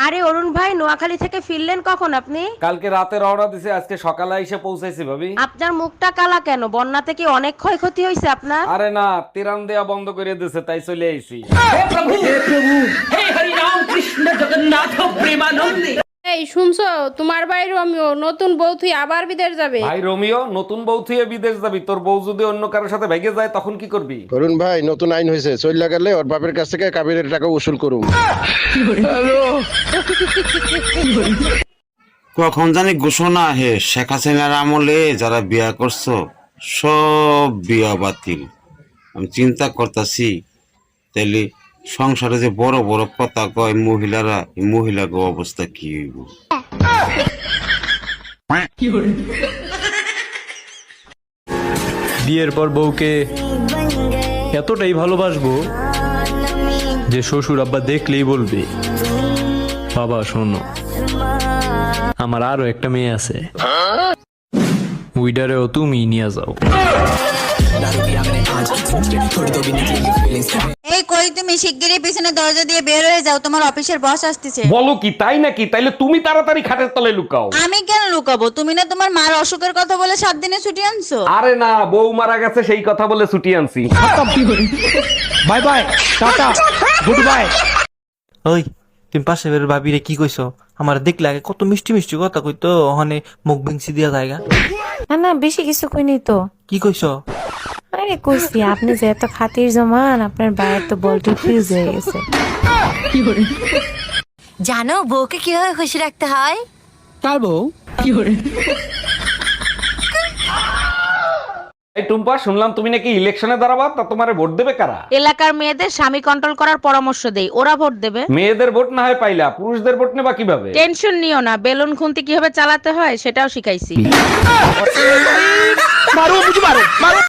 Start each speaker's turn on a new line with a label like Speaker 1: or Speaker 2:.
Speaker 1: আরে অরুণ ভাই, নোয়াখালী থেকে ফিরলেন কখন আপনি?
Speaker 2: কালকে রাতে রওনা দিছে, আজকে সকালে এসে পৌঁছাইছি ভাবি।
Speaker 1: আপনার মুখটা কালা কেন? বন্যাতে কি অনেক ক্ষয়ক্ষতি হয়েছে আপনার?
Speaker 2: আরে না, তিরান দেয়া বন্ধ করে দিছে, তাই চলে আইছি।
Speaker 3: এই শুনছো, তোমার ভাই রোমিও নতুন বউ থুই আবার বিদেশ যাবে।
Speaker 2: ভাই রোমিও নতুন বউ থুয়ে বিদেশ যাবি? তোর বউ যদি অন্য কারোর সাথে ভেগে যায় তখন কি করবি?
Speaker 4: অরুণ ভাই, নতুন আইন হয়েছে, চইলা গেলে ওর বাপের কাছ থেকে কাবিনের টাকা উসুল করুম।
Speaker 5: কখন জানি ঘোষণা হে শেখ হাসিনার আমলে যারা বিয়া করছো সব বিয়া বাতিল। আমি চিন্তা করতেছি তাইলে সংসারে যে বড় বড় কথা কয় মহিলারা, এই মহিলাকে অবস্থা কি হইব?
Speaker 6: বিয়ের পর বউকে এতটাই ভালোবাসবো যে শ্বশুর আব্বা দেখলেই বলবে, বাবা শোনো, আমার আরো একটা মেয়ে আছে, উইডারেও তুমি নিয়ে যাও।
Speaker 7: এই কই, তুমি শিগগিরই পিছনে দরজা দিয়ে বের হয়ে যাও, তোমার অফিসের বস আসতেছে।
Speaker 2: বলো কি, তাই নাকি? তাইলে তুমি তাড়াতাড়ি খাটের তলে লুকাও।
Speaker 7: আমি কেন লুকাবো? তুমি না তোমার মার অসুখের কথা বলে 7 দিনে ছুটি আনছো।
Speaker 2: আরে না, বউ মারা গেছে সেই কথা বলে ছুটি আনছি।
Speaker 6: Bye bye, tata, goodbye.
Speaker 8: ওই তুমি পাশে বের ভাবিরে কি কইছো? আমার দেখলে আগে কত মিষ্টি মিষ্টি কথা কইতো, ওখানে মুখ ভেঙছি দিয়া জায়গা।
Speaker 9: না না, বেশি কিছু কইনি তো।
Speaker 8: কি কইছো?
Speaker 9: আরে কইছি, আপনি যে এত খাতির জমান, আপনার বাইরের তো বলটি ফিউজ হয়ে গেছে।
Speaker 7: জানো বউকে কিভাবে খুশি রাখতে হয়?
Speaker 8: কার বউ?
Speaker 2: এই টুম্পা, শুনলাম তুমি নাকি ইলেকশনে দাঁড়াবা, তা তোমারে ভোট দেবে কারা?
Speaker 1: এলাকার মেয়েদের স্বামী কন্ট্রোল করার পরামর্শ দেই, ওরা ভোট দেবে।
Speaker 2: মেয়েদের ভোট না হয় পাইলা, পুরুষদের ভোট নেবা কিভাবে?
Speaker 1: টেনশন নিও না, বেলুন খুন্তি কিভাবে চালাতে হয় সেটাও শিখাইছি।